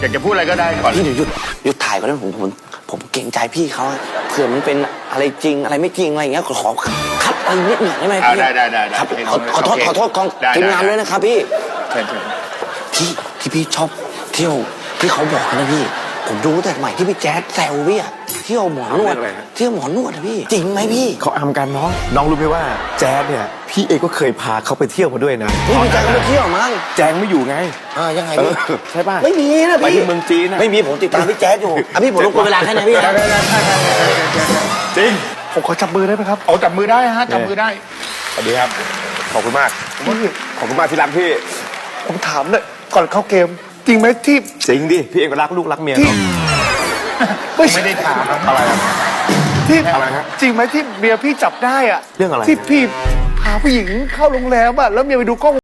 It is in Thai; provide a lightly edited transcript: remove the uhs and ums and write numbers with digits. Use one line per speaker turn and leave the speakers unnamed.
ากจะพูดอะไรก็ได้ก่อน
พี่เดี๋ยวหยุดถ่ายก่อนนะผมเกรงใจพี่เขาเผื่อมันเป็นอะไรจริงอะไรไม่จริงอะไรอย่างเงี้ยขอคัดอะไรนิดหน่อยได้ไหมพี่
ได้
ครับขอโทษกองทีมงานด้วยนะครับพี่ที่พี่ชอบเที่ยวที่เขาบอกนะพี่ผมดูแต่ใหม่ที่พี่แจ๊ดแซวพี่อะเที่ยวหมอนวดเที่ยวหมอนวดอะพี่จริงไหมพี่
เขาอำกันน้องรู้ไหมว่าแจ๊ดเนี่ยพี่เอก็เคยพาเขาไปเที่ยวมาด้วยนะ
พี่แจ๊ดก็ไปเที่ยวมั้ง
แจงไม่อยู่ไง
ยังไงพี่
ใช่ป่ะ
ไม่มีนะพี่
ไปที่เมืองจีน
ไม่มีผมติดตามพี่แจ๊ดอยู่พี่ผมรบกวนเวลาแค่ไหนพี่
จริง
ผมขอจับมือได้ไหมครับเอาจับมือได้ฮะจับมือได้
สวัสดีครับขอบคุณมากขอบคุณมากที่รักพี่
ผมถามเลยก่อนเข้าเกมจริงไหมที่
จริงดิพี่เอก็รักลูกรักเมีย
ไม่ได้ถาม
อะไร
ที่
อะไรฮะ
จริงไหมที่เมียพี่จับได้อะ
เรื่องอะไร
ที่พี่พาผู้หญิงเข้าโรงแรมอะแล้วเมียไปดูกล้อง